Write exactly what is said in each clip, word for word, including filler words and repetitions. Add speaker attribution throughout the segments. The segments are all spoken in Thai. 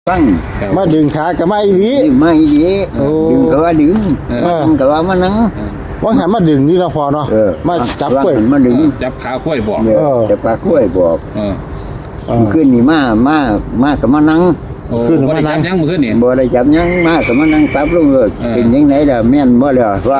Speaker 1: ฟัง
Speaker 2: มาดึงขากับมาอีหลี
Speaker 1: ไม่ดีดึงก็ว่าดึงมันก็ว่ามันนั่ง
Speaker 2: ว่าหันมาดึงนี่เราพอเนาะมาจับกล้วย
Speaker 1: มาดึง
Speaker 3: จับขาข้วยบอก
Speaker 1: จับปลากล้วยบอกขึ้นนี่มามามากับมานั่ง
Speaker 3: ขึ้นมานั่งยังมือขึ้นนี่
Speaker 1: บ่ได้จับยังมากับมานั่งปั๊บลงเลยเป็นยังไงล่ะแม่นบ่ล่ะว่า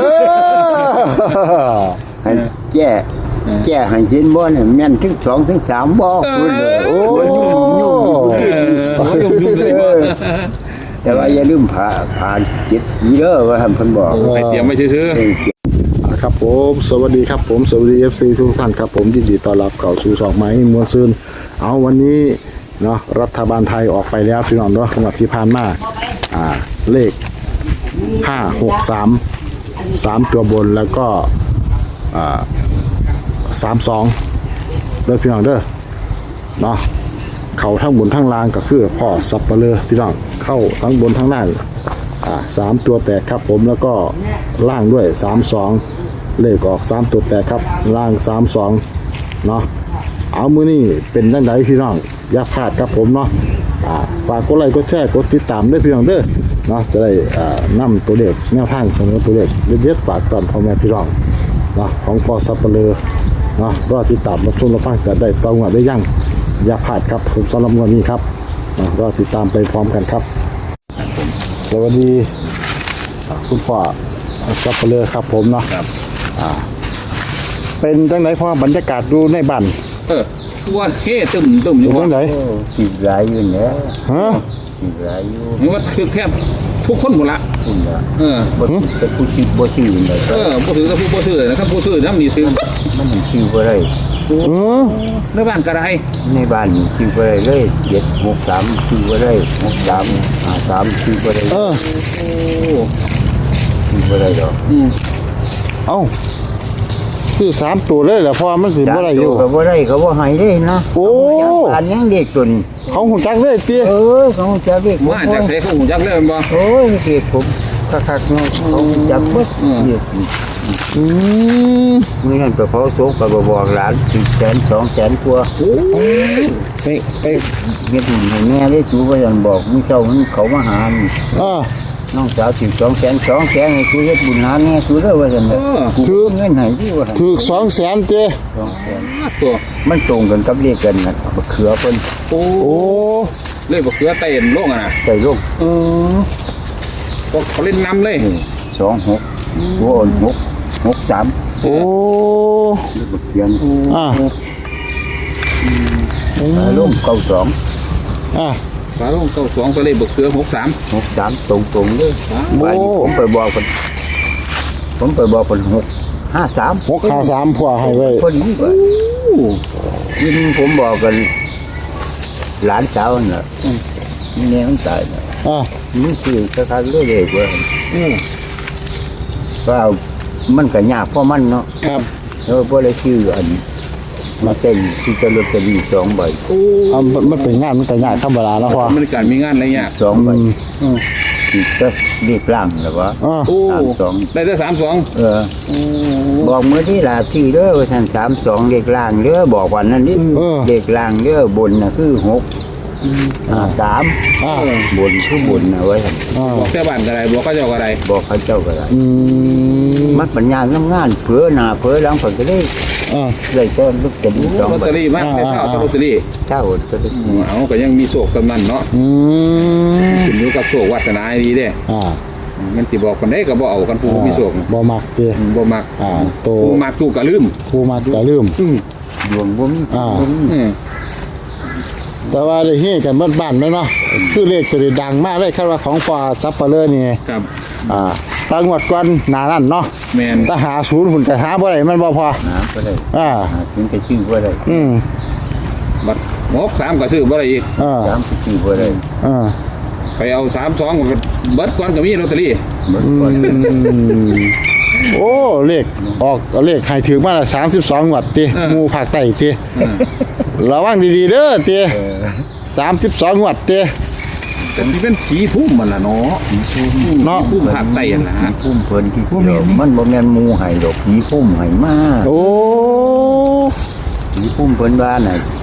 Speaker 1: ให้แก้แก้ให้ยินบ่เนี่ยแม่นถึงสองถึงสามบ่คุณโอ้ยุ่งยุ่งยุ่งยุ่งเลยแต่ว่าอย่าลืมผ่าผ่าเจ็ดสีเด้อว่าเพิ่นบอก
Speaker 3: ไปเตรียมไว้ซื้อ
Speaker 2: ครับผมสวัสดีครับผมสวัสดี เอฟ ซี ทุกท่านครับผมยินดีต้อนรับเข้าสู่ช่องไม้มวลซืนเอาวันนี้เนาะรัฐบาลไทยออกไปแล้วพี่น้องเนาะงวดที่ผ่านมาอ่าเลขห้า หก สาม สามตัวบนแล้วก็อ่าสามสองเด้อพี่น้องเด้อเนาะเข้าทั้งบนทั้งล่างก็คือพ่อสับปะเลอพี่น้องเข้าทั้งบนทั้งล่างอ่าสามตัวแตกครับผมแล้วก็ล่างด้วยสามสองเลขออกสามตัวแตกครับล่างสามสองเนาะเอามือนี่เป็นจังไดพี่น้องอย่าพลาดครับผมเนาะอ่าฝากกดไลค์กดแชร์กดติดตามด้วยพี่น้องเด้อเนาะจะได้อ่านำตัวเลขแนวทางเสนอตัวเลขเด็ดๆฝากตอนพ่อแม่พี่น้องเนาะของพ่อสับปะเลอเนาะรอติดตามรับชมรับฟังจะได้ต้องได้ยั่งอย่าพลาดครับผมสำหรับวันนี้ครับนะรอติดตามไปพร้อมกันครับสวัสดีคุณพ่อสับปะเลอครับผมเนาะอ่าเป็นจังไหนพ่อบรรยากาศดูในบ้าน
Speaker 3: เออว่าเฮ้ตึมตึมอยู่
Speaker 2: จังไหน
Speaker 1: สิหลายอยู่เนี่ย
Speaker 2: ฮะ
Speaker 1: สิหลายอยู่
Speaker 3: นี่ว่าคือแค่ทุกคนหมดละเออ
Speaker 1: แต่ผู้ชื่อบ่ชื่อเลย
Speaker 3: เออผู้ซื้อกับผู้บ่ซื้อนะครับผู้ซื้อน้ำนี่ซื้อ
Speaker 1: มันชื่อบ่ได้
Speaker 2: เออ
Speaker 3: ในบ้านกระไร
Speaker 1: ในบ้านชื่อบ่ได้เลยเจ็ด หก สามชื่อบ่ได้หก สาม ห้า สามชื่อบ่ได้
Speaker 2: เออ
Speaker 3: โอ้
Speaker 1: ชื่อบ่ได้ดอก
Speaker 3: อืม
Speaker 2: เอ้าคือสามตัวเลยแหละเพราะมันสิบ่ได้อยู่
Speaker 1: ก็บ่ได้ก็บ่ให้เลยนะ
Speaker 2: โอ้
Speaker 1: อันยังเด็กตุน
Speaker 2: เขาหูจักเลยติ
Speaker 1: เออเขาจักเด็ก
Speaker 3: มาจากไสเขาหูจักเลยบ่
Speaker 1: โอ้ยเด็กผมคักๆเนาะเขาจักเบิดเด็ก
Speaker 2: อืม
Speaker 1: มื้อนั้นไปเผาศพก็บ่บอกหลานสิบแสน สองแสนกว่า
Speaker 2: โอ้ไปไป
Speaker 1: เฮ็ดให้แม่ได้สูว่าอย่างบอกมื้อเช้ามันเขามาหา
Speaker 2: อ่า
Speaker 1: น้องสาวสิบสองแสน สองแสนให้กูเฮ็ดบุญหาแม่กูเด้อว่าซั่นน่ะกูเงินให้ที่ว่า
Speaker 2: ถูกสองแสนเจ้
Speaker 1: สองแสน
Speaker 3: ตัว
Speaker 1: มันตรงกันกับเลขกันน่ะบักเขือเพิ่น
Speaker 3: โอ้เลยบักเขือเต้นลงอ่ะนะ
Speaker 1: ใส่ลง
Speaker 3: เออก็เขาเล่นนำเลย
Speaker 1: สอง หกโอ้หก หก สาม
Speaker 2: โอ้
Speaker 1: บักเขือ
Speaker 2: อ่า
Speaker 1: ลงเก้าสอง
Speaker 2: อ่า
Speaker 3: ฝาลงเก้าสองไปเลยบักเขือหกสาม
Speaker 1: หก สามตรงๆเลยไปผมไปบอกเพิ่นผมไปบอกเพิ่นหก ห้า สาม
Speaker 2: หก ห้า สามพ่อให้ไว้
Speaker 1: พอดีว่ายินผมบอกกันหลานสาวน่ะนี่แม่มันตายน่ะ
Speaker 2: อ่า
Speaker 1: มันคือคักๆเลยเลยว่า
Speaker 3: อือ
Speaker 1: ว่ามันก็ยากเพราะมันเนาะ
Speaker 2: ครับ
Speaker 1: แล้วบ่ได้ชื่ออันมาเต้นที่จะลอตเตอรี่สองใบ
Speaker 2: โอ้มันเป็นงานมันก็ยากธรรมดาแล้วพ่อ
Speaker 3: มันการมีงานอะไรยาก
Speaker 1: สองใบอือสิจะเรียกร่างแล้วว่า
Speaker 2: โอ้
Speaker 1: สามสอง
Speaker 3: ได้แต่สามสอง
Speaker 1: เออบอกมื้อที่ลาที่เด้อว่าท่านสามสองเลขล่างเด้อบอกวันนั้นนี่เลขล่างเด้อบนน่ะคือหกอ่าสามบนคือบนน่ะไว้ท่าน
Speaker 3: บอกแต่บ้านก็ได้บอกเขาเจ้าก็ได้
Speaker 1: บอกเขาเจ้าก็ได้
Speaker 2: อืม
Speaker 1: มันปัญญางานเผลอหน้าเผลอหลังเพิ่นก็ได้
Speaker 2: อ่า
Speaker 1: ได้แต่ลอตเตอรี่สอง
Speaker 3: ลอตเตอรี่มากแต่เช้าลอตเตอรี่
Speaker 1: เช้าลอตเตอรี่
Speaker 3: เอาก็ยังมีโศกสำนันเนาะ
Speaker 2: อืม
Speaker 3: ขึ้นอยู่กับโศกวาสนาดีเด้
Speaker 2: อ่า
Speaker 3: มันสิบอกคนได้ก็บ่เอากันผู้มีโศก
Speaker 2: บ่มักเด้
Speaker 3: บ่มัก
Speaker 2: อ่าโต
Speaker 3: ผู้มักกูก็ลืม
Speaker 2: ผู้มักก็ลืม
Speaker 3: อือ
Speaker 1: ดวงบ่มี
Speaker 2: อ่า
Speaker 3: อือ
Speaker 2: แต่ว่าได้เฮ็ดกันบ้านๆเนาะคือเลขตัวดังมากเลยคาดว่าของพ่อซับเปลือนี่
Speaker 3: ครับ
Speaker 2: อ่าตั้งงวดก่อนหน้านั้นเนาะ
Speaker 3: แม่น
Speaker 2: ถ้าหาศูนย์หุ่นก็หาบ่ได้มันบ่พอ
Speaker 1: หาบ่ได้
Speaker 2: อ่า
Speaker 1: ถึงจะชื่อบ่ได้
Speaker 2: อืม
Speaker 3: บัดหก สามก็ซื้อบ่ได้อีก
Speaker 2: อ่า
Speaker 1: สามชื่อบ่ได้
Speaker 2: อ่า
Speaker 3: ไปเอาสามสองเบิดก่อนก็มีลอตเตอรี่
Speaker 1: เบิดก่อน
Speaker 2: โอ้เลขออกเลขให้ถึงมาละสามสิบสองงวดติหมู่ภาคใต้ติระวังดีๆเด้อติสามสิบสองงวดติ
Speaker 3: แต่ที่เป็นผีพุ่มมันล่ะเนาะ
Speaker 2: เนาะ
Speaker 3: พุ่มภาคใต้นั่นล่ะฮะ
Speaker 1: พุ่มเพิ่นที่เดียวมันบ่แม่นหมู่ให้ดอกผีพุ่มให้มา
Speaker 2: โอ้
Speaker 1: ผีพุ่มเพิ่นว่าน่ะ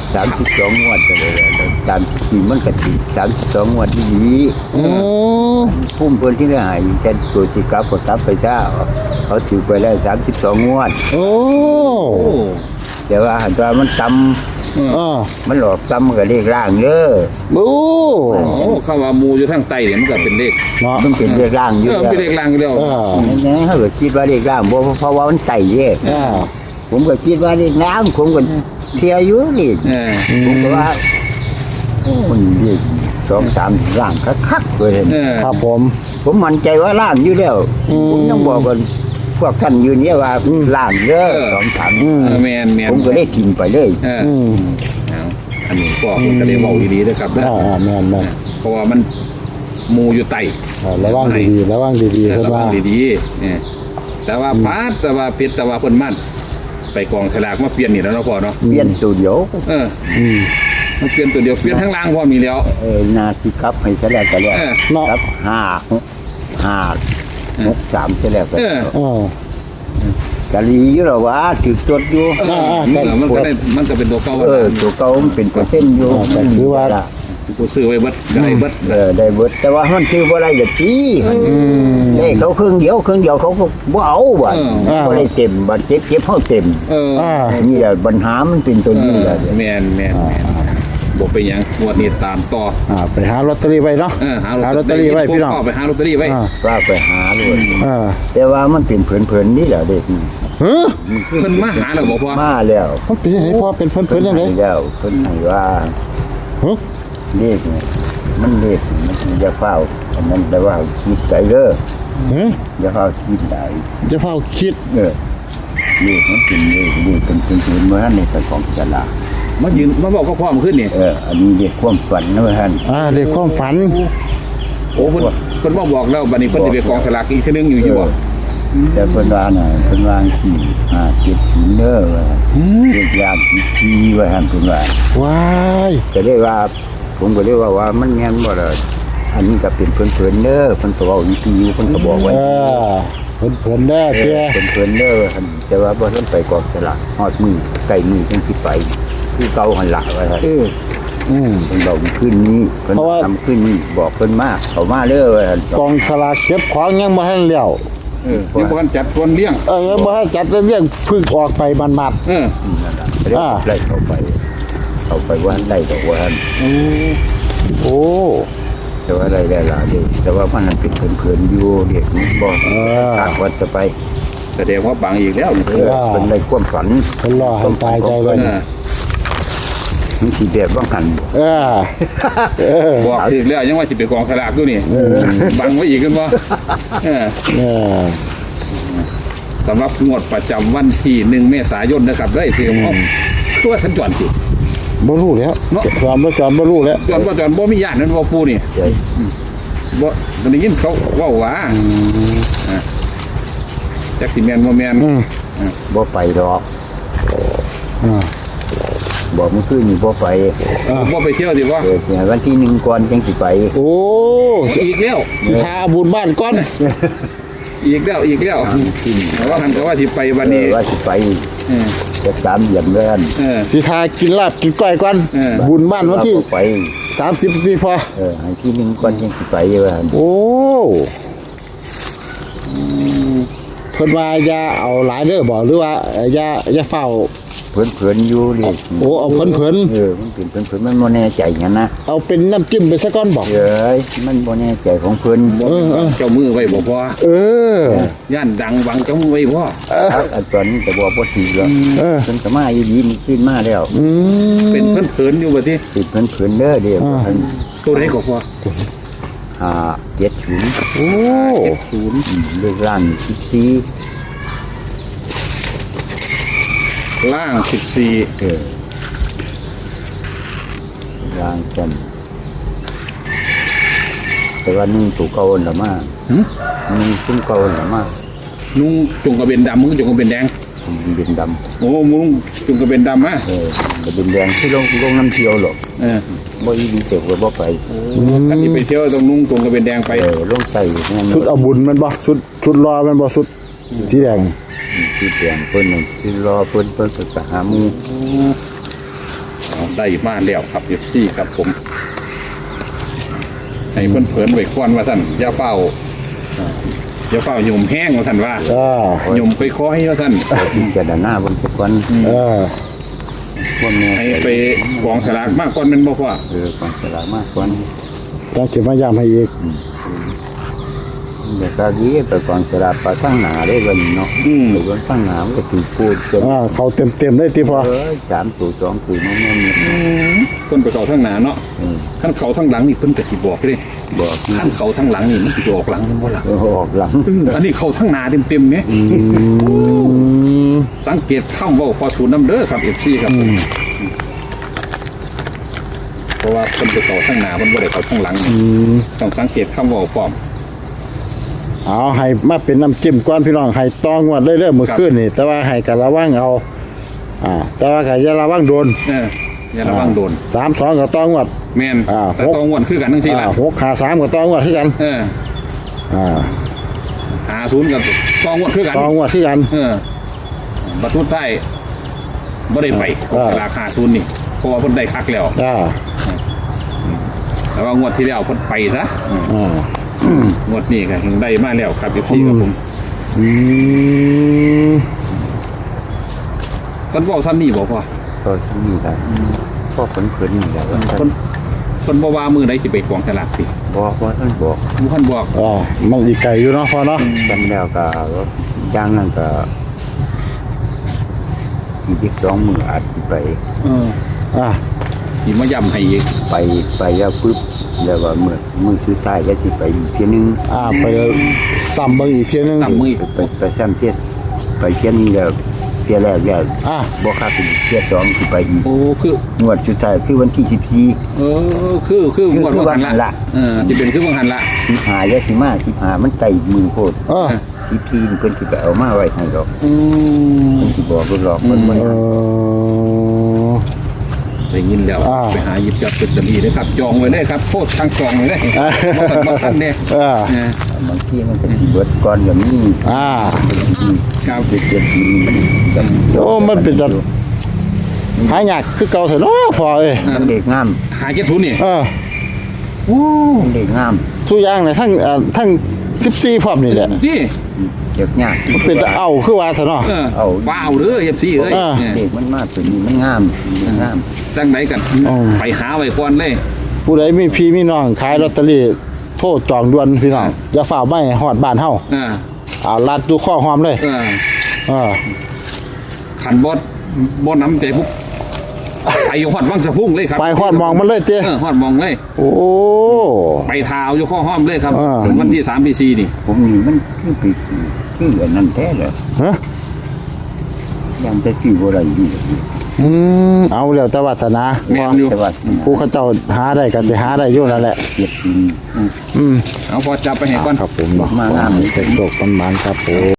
Speaker 1: สามสิบสองงวดไปเลยแล้วสามสิบสี่มันก็ติดสามสิบสองงวดที่ดี
Speaker 2: โอ้
Speaker 1: พุ่มเพิ่นที่ได้หายแต่ตัวจิกลับก็กลับไปซะเขาถือไปแล้วสามสิบสองงวด
Speaker 2: โอ้
Speaker 3: โอ้
Speaker 1: แต่ว่าหันว่ามันต
Speaker 2: อ่า
Speaker 1: ำมันหลอกตำมันก็เลขล่างเด้อ
Speaker 2: โอ้
Speaker 3: โอ้เข้าว่าหมูอยู่ทางใต้เนี่ยมันก็เป็นเลข
Speaker 2: เนาะ
Speaker 1: มันเป็นเลขล่างอ
Speaker 3: เอยู่ อ
Speaker 1: แล้ว
Speaker 3: เป็นเลขล่างอยู่แล้ว
Speaker 2: เออ
Speaker 1: นั่นๆเขาก็คิดว่าเลขล่างบ่เพราะว่ามันไต่เด้
Speaker 2: อ่า
Speaker 1: ผมก็คิดว่าเลขล่างผมก็เทียอยู่นี่
Speaker 3: เออ
Speaker 1: ผมก็ว่าโอ้มันเลขสองสามล่างคักๆเลย
Speaker 3: เออ
Speaker 2: ครับผม
Speaker 1: ผมมั่นใจว่าล่างอยู่แล้ว
Speaker 2: อืม
Speaker 1: ผมต้องบอกกันพวกท่านอยู่เนี่ยว่าล่างเด้อสองสาม
Speaker 2: อืม
Speaker 3: เออแมนแมน
Speaker 1: ผมก็ได้กินไปเลย
Speaker 3: เออ
Speaker 2: อืม
Speaker 3: เอาอันนี้ก็ผมก็ได้บอกดีๆนะครับนะ
Speaker 2: อ่าอ่าแม่นแม่น
Speaker 3: เพราะว่ามันหมูอยู่ใต้
Speaker 2: อ่าระวังดีๆระวังดีๆ
Speaker 3: แต่
Speaker 2: เพิ่น
Speaker 3: ระวั
Speaker 2: ว่า
Speaker 3: งดีๆเออแต่ว่าพาดแต่ว่าผิดแต่ว่าเพิ่นมั่นไปกองฉลากมาเปลี่ยนนี่แล้วเนาะพ่อเนาะ
Speaker 1: เปลี่ยนตัวเดียว
Speaker 3: เออ
Speaker 2: อืม
Speaker 3: มันเปลี่ยนตัวเดียวเปลี่ยนทั้งล่างพอมีแล้ว
Speaker 1: เออนาทีกลับให้ซะแล้วก็แล้ว
Speaker 3: เออ
Speaker 2: เนาะ
Speaker 1: ครับห้าหกห้าหกสามซะแล้วก็
Speaker 3: เออ
Speaker 2: อ่า
Speaker 1: กะลีอยู่หรอวะถือจดอยู่
Speaker 3: เออ
Speaker 2: อ่า
Speaker 3: เออมันก็ได้มันก็เป็นตัวเก่า
Speaker 1: เออตัวเก่ามันเป็นเปอร์เซ็นต์อยู่
Speaker 2: อ่าแต่ถือว่า
Speaker 3: กูซื้อไว้เบิดก็ได้เบิด
Speaker 1: เออได้เบิดแต่ว่ามันซื้อบ่ได้จะตี
Speaker 2: อืม
Speaker 1: ได้เขาครึ่งเดียวครึ่งเดียวเขาก็บ่เอาบ่
Speaker 2: อ่า
Speaker 1: บ่ได้เต็มบัดเจ็บเจ็บเฮาเต็ม
Speaker 3: เออ
Speaker 2: อ่า
Speaker 1: นี่แหละปัญหามันเป็นตัวนี้แหละ
Speaker 3: แมนแมนแมนบอกไปหยังงวดนี้ตามต่อ
Speaker 2: อ่าไปหาลอตเตอรี่ไว้เนาะ
Speaker 3: เออหา
Speaker 2: หาลอตเตอรี่ไว้พี่น้อง
Speaker 3: ก็ไปหาลอตเตอรี่ไว้
Speaker 2: อ่า
Speaker 1: ว่าไปหาเลย
Speaker 2: อ่า
Speaker 1: แต่ว่ามันเป็นเผินๆนี่แหละเด็กนี่
Speaker 2: เฮ้ย
Speaker 3: เพิ่นมาหาแล้วบอกว่า
Speaker 1: มาแล้ว
Speaker 2: มันเป็นยังไงพ่อเป็นเพิ่นๆยังไง
Speaker 1: ให้แล้วเพิ่นให้ว่า
Speaker 2: เฮ้ย
Speaker 1: เลขเนี่ยมันเลขนี่มันจะเฝ้าอันนั้นแปลว่าคิดใจเด้อ
Speaker 2: เฮ้ย
Speaker 1: อย่าเฝ้าคิดได้
Speaker 2: จะเฝ้าคิด
Speaker 1: เออเลขมันเป็นเลขเลขเป็นเป็นเป็นเมื่อในแต่ของตลาด
Speaker 3: มายืนมาบอกก็พร้อมขึ้นนี่
Speaker 1: เอออันนี้เลขความฝันนะท่าน
Speaker 2: อ่าเรียกความฝัน
Speaker 3: โอ้เพิ่นเพิ่นมาบอกแล้วบัดนี้เพิ่นสิไปกองสลากอีกเทื่อนึงอยู่อยู่บ่
Speaker 1: แต่เพิ่นว่าน่ะเพิ่นวางสี่ห้าเจ็ดศูนย์เด้อว่าเลขยามที่ว่าท่านเพิ่นว่า
Speaker 2: ว้าย
Speaker 1: ก็เรียกว่า ผมก็เรียกว่าว่ามันแม่นบ่ล่ะอันนี้ก็เป็นเพิ่นๆเด้อเพิ่นก็เว้าอีกทีอยู่เพิ่นก็บอกไว้
Speaker 2: เออเพิ่นเพิ่นๆเด้อ
Speaker 1: เอ
Speaker 2: เจ้
Speaker 1: อเพิ่นๆเด้อท่านแต่ว่าบ่ทันไปกองสลากฮอดมือใกล้มือจังสิไปคือเก่าหั่นล่ะว่าท่าน
Speaker 2: อืม
Speaker 1: เพิ่นบอกขึ้นนี้เพิ่น
Speaker 2: เพราะว่า
Speaker 1: ทำขึ้นนี้บอกเพิ่นมาเขามาเด้อว่าท่าน
Speaker 2: กองสลากเก็บของยังบ่ทันแล้ว
Speaker 3: เออนี่บ่ทันจัดคนเลี้ยง
Speaker 2: เออยังบ่ทันจัดเรื่องเพึ่งออกไปบัด
Speaker 3: เออ
Speaker 1: นั่นล่ะเรียก
Speaker 2: อ่า
Speaker 1: ไล่เขาไป เขาไปว่าไล่ดอกว่าท่าน
Speaker 2: ๆโอ้
Speaker 1: แต่ว่าไล่ได้หลายเด้อแต่ว่ามันนั้นเป็นเพิ่นๆอยู่เด็กมันบ่
Speaker 2: เออ
Speaker 1: ทางวัดจะไป
Speaker 3: แสดงว่าบังอีกแล้วนี่
Speaker 1: เออเพิ่นได้ความฝัน
Speaker 2: เพิ่นรอให้ตายใจไว้
Speaker 3: เออ
Speaker 1: มันสิแบบว่ากัน
Speaker 2: เออเออ
Speaker 3: บอกอีกแล้วยังว่าสิไปกองสลากอยู่นี่บังไว้อีกกันบ่เออ
Speaker 2: เออ
Speaker 3: สำหรับงวดประจำวันที่หนึ่งเมษายนนะครับได้ที่ของตัวทันจวนสิ
Speaker 2: บ่รู้แล้ว
Speaker 3: เนาะ
Speaker 2: ความบ่จอนบ่รู้แล้ว
Speaker 3: จวนบ่จวนบ่มีญาตินั่นบ่ปูนี่
Speaker 1: ใช่
Speaker 3: บ่มันได้ยินเขาเว้าว่าอ่ะจักสิแม่นบ่แม่น
Speaker 2: อืม
Speaker 1: บ่ไปดอก
Speaker 2: อ่า
Speaker 1: บอกมันคือนี่บ่ไป
Speaker 3: บ่ไปเที่ยวสิบ่
Speaker 1: เออเนี่ยวันที่หนึ่งก่อนจังสิไป
Speaker 2: โอ้
Speaker 3: อีกแล้ว
Speaker 2: หาบุญบ้านก่อน
Speaker 3: อีกแล้วอีกแล้วแต่ว่าคันก็ว่าสิไปวัน
Speaker 1: เอ
Speaker 3: นี้
Speaker 1: อว่าสิไป
Speaker 3: เออ
Speaker 1: จะตามเหยียบเลื่อน
Speaker 3: เออ
Speaker 2: สิทากินลาบกินก้อยก่อน
Speaker 3: เออ
Speaker 2: บุญบ้านวันที่
Speaker 1: ว่าบ่ไป
Speaker 2: สามสิบนาทีพอ
Speaker 1: เออให้ที่หนึ่งก่อนจังสิไปว่าหั่น
Speaker 2: โอ้เพิ่นว่าอย่าเอาหลายเด้อบ่หรือว่าอย่าอย่าเฝ้า
Speaker 1: เพิ่นๆอยู่เลย
Speaker 2: โอ้เอาเพิ่น
Speaker 1: เออมันเป็นเพิ่นๆมันบ่แน่ใจหยังนะ
Speaker 2: ๆเอาเป็นน้ำจิ้มไปซะก่อนบอก
Speaker 1: เอ้ยมันบ่แน่ใจของเพิ่น
Speaker 2: เออเออ
Speaker 3: เจ้ามือไว้บ่พอ
Speaker 2: เออ
Speaker 3: ย่านดังวังเจ้ามือไว้บ่
Speaker 1: ครับอันตอนนี้ก็บ่บ่ถือแล้ว
Speaker 2: เออ
Speaker 1: เพิ่นก็มาอยู่ดีมันขึ้นมาแล้ว
Speaker 2: อืม
Speaker 3: เป็นเพิ่นเผินอยู่บ่ติ
Speaker 1: ติดเพิ่นๆเด้อเด้อ
Speaker 2: อ่า
Speaker 1: เพิ่น
Speaker 3: ตัวใดก็พอ
Speaker 1: ห้าเจ็ดศูนย์
Speaker 2: โอ้
Speaker 1: ศูนย์เลขล่างสิบสี่
Speaker 3: ล่างสิบสี่
Speaker 1: เออล่างกันแต่ว่านี่ตัวเก่าละมาก
Speaker 3: หึ
Speaker 1: นี่ซุ้มเก่าละมาก
Speaker 3: นุ่งจงกระเบนดำมึงจงกระเบนแดง
Speaker 1: มันเป็นด
Speaker 3: โอ้มึงจงกระเบนดำฮะ
Speaker 1: ำเออมันเป็นแดงที่ลงลงน้ำเที่ยวหรอก
Speaker 3: เออ
Speaker 1: บ่อีดีเต็กว่าบ่ไป
Speaker 3: ถ้าสิไปเที่ยวต้องนุ่งจงกระเบนแดงไป
Speaker 1: เออลงใส่นั่น
Speaker 2: ชุดเอาบุญมันบ่ชุดชุดรอมันบ่ชุดสีแดง
Speaker 1: ที่แดงเพิ่นนั่นที่รอเพิ่นเพิ่นก็หาหมู่
Speaker 3: เได้มาแล้วครับเอฟซีครับผมให้เพิ่นเผินไว้ก่อนว่าท่านอย่าเฝ้าอย่าเฝ้าหยุ่มแห้งว่าท่านว่า
Speaker 2: อ่า
Speaker 3: หยุ่มไปคอยว่าท่าน
Speaker 1: พิจารณาบนสักวัน
Speaker 2: เออ
Speaker 1: พวกนี้
Speaker 3: ให้ไปกองสลากมากก่อนแมันบ่พ่อ
Speaker 1: เออของสลากมากกว่า
Speaker 2: ต้องเก็บมาย้ำให้อีก
Speaker 1: เดี๋ยวก็ดีไปกองสลากไปตั้งหนาได้วันเนาะ
Speaker 3: อืม
Speaker 1: หรือว่าตั้งหนามันก็ถูกพูดจน
Speaker 2: อ่าเขาเต็มเต็มๆเลยที่พอ
Speaker 1: เออสามตัวสองตัวมันมันเนี่ย
Speaker 3: เพิ่นไปเขาทั้งหน้าเนาะ
Speaker 1: เออ
Speaker 3: ขั้นเขาทั้งหลังนี่เพิ่นก็สิบอกเด้
Speaker 1: บอก
Speaker 3: ขั้นเขาทั้งหลังนี่มันสิออกหลังมันบ่ล่ะ
Speaker 1: เออออกหลัง
Speaker 3: อันนี้เขาทั้งหน้าเต็มๆแหม
Speaker 2: อืม
Speaker 3: สังเกตคำเว้าพอสูนน้ำเด้อครับ เอฟ ซี ครับผมเพราะว่าเพิ่นไปเขาทั้งหน้าเพิ่นบ่ได้เขาทั้งหลังนี่
Speaker 2: อืม
Speaker 3: ต้องสังเกตคำเว้าพร้อม
Speaker 2: เอาให้มาเป็นน้ำจิ้มก้อนพี่น้องให้ตองวดเรื่อยๆมือขึ้นนี่ แต่ว่าให้กับระวังเอา อ่า แต่ว่าก็อย่าระวังโดน
Speaker 3: เอออย่าระวังโดน
Speaker 2: สามสองกับตองวด
Speaker 3: แม่น
Speaker 2: อ่า
Speaker 3: แต่ต้องงวนคือกันทั้งสี่
Speaker 2: อ่า
Speaker 3: ล่ะ
Speaker 2: หกขาสามกับตองวดที่กัน
Speaker 3: เออ
Speaker 2: อ่า
Speaker 3: หาศูนย์กับต้องงวนคือกัน
Speaker 2: ตองวดที่กัน
Speaker 3: เออบัตรทุนใต้บ่ได้ไป
Speaker 2: อ่า
Speaker 3: ราคาศูนย์นี่เพราะว่าเพิ่นได้คักแล้ว
Speaker 2: อ่า
Speaker 3: แต่ว่างวดที่แล้วเพิ่นไปซะอืม
Speaker 2: อ่า
Speaker 3: งวดนี้ก็ถึงได้มาแล้วครับ เอฟ ซี ครับผม
Speaker 2: อืม
Speaker 3: เพิ่นเว้าซ้ำนี่บ่พ่อ
Speaker 1: ก็ที่นี่แหละพ่อผลเพิ่นนี่แหละว่าท่าน
Speaker 3: เพิ่นเพิ่นบ่ว่ามือใดสิไปกองสลากสิ
Speaker 1: บอกว่าท่านบอก
Speaker 3: ผู้ท่านบอก
Speaker 2: อ่ามันอีกไก่อยู่เนาะพอเนาะ
Speaker 1: กันแล้วก็ย่างนั่นก็อีกสองมืออาจสิไป
Speaker 3: เออ
Speaker 2: อ่า
Speaker 3: สิมาย้ำให้อีก
Speaker 1: ไปไปแล้วปุ๊บแล้วว่ามือมือคือซ้ายก็สิไปอีกทีนึง
Speaker 2: อ่าไปซ้ำเบิ่งอีกเพียงนึง
Speaker 3: ตามมืออีก
Speaker 1: ไปไปซ้ำเทียไปเทียนี้แล้วเทียแรกแล้ว
Speaker 2: อ่า
Speaker 1: บ่ค่าเป็นเทียสองสิไปอีก
Speaker 3: โอ้คือง
Speaker 1: วดสุดท้ายคือวันที่สิบสี่
Speaker 3: เออคือคืองวด
Speaker 1: คือ
Speaker 3: ว่าหัน
Speaker 1: ว่าหัน
Speaker 3: ละ
Speaker 1: ละ
Speaker 3: เออสิเป็นคือว่าหันละ
Speaker 1: สิบห้าแล้วสิมาสิบห้ามันไต่มือโพด
Speaker 2: เออ
Speaker 1: สิบสี่นี่เพิ่นสิไปเอามาไว้ให้ดอก
Speaker 3: อืม
Speaker 1: เพิ่นสิบอกเพิ่นหลอกเพิ่นบ่
Speaker 2: เออ
Speaker 3: ได้ยินแล้ว
Speaker 2: อ่า
Speaker 3: ไปหาหยิบจับเป็นจะมีเลยครับจองไว้เลยครับโคตรทางจองเลยบ่ทันบ่ทันเด้
Speaker 2: เออ
Speaker 3: เออบ
Speaker 1: างทีมันก็สิเบิดก่อนอย่างนี้
Speaker 2: อ่า
Speaker 3: ครับ
Speaker 1: เจ็ดเจ็ดปีมัน
Speaker 2: โอ้มันเป็นจัดหายากคือเก่าเถอะเนาะพอเอ้ย
Speaker 1: มันเด็กงาม
Speaker 3: หาเจ็ดศูนย์นี่
Speaker 2: เออ
Speaker 3: โอ้
Speaker 1: มันเด็กงาม
Speaker 2: ทุกอย่างเลยทั้งเอ่อทั้งสิบสี่พร้อมนี่แหละ
Speaker 3: ที่
Speaker 1: เด็กยาก
Speaker 2: มันเป็นตะเอาคือว่าเถอะเนาะ
Speaker 3: เออ
Speaker 1: เอา
Speaker 3: ว้าวเด้อ เอฟ ซี เอ้ย
Speaker 2: อ่า
Speaker 3: เนี่ย
Speaker 1: เด็กมันมากตัวนี้มันงามมันงาม
Speaker 3: จังไหนกัน
Speaker 2: อ๋อ
Speaker 3: ไปหาไว้ก่อนเลย
Speaker 2: ผู้ใดมีพี่มีน้องขายลอตเตอรี่โทษจองด่วนพี่น้องอย่าฝ่าไม่ฮอดบ้านเฮา
Speaker 3: เออ
Speaker 2: เอาลัดดูข้อความเลย
Speaker 3: เออ
Speaker 2: เออ
Speaker 3: ขันบดบดน้ำใจปุ๊บไปอยู่ฮอดวังสะพุ่งเลยครับ
Speaker 2: ไปฮอดมองมันเลยเจ้
Speaker 3: เออฮอดมองเลย
Speaker 2: โอ้
Speaker 3: ไปทาวอยู่ข้อห้อมเลยครับ
Speaker 2: อ่า
Speaker 3: วันที่สามที่สี่นี่
Speaker 1: ผมนี่มันคือปีคืออันนั้นแท้เลย
Speaker 2: ฮะ
Speaker 1: ยังจะซื้อบ่ได้อยู่
Speaker 2: อืมเอาแล้วแต่วาสนา
Speaker 3: แม่นอยู่
Speaker 1: แต่ว่า
Speaker 2: ผู้เขาเจ้าหาได้ก็จะหาได้อยู่นั่นแหละ
Speaker 1: เจ็ดปี
Speaker 2: อืม
Speaker 3: เอาพอจับไปให้ก่อน
Speaker 2: ครับผมเนาะ
Speaker 1: มางามเลย
Speaker 2: เป็นโลกต้นไม้ครับผม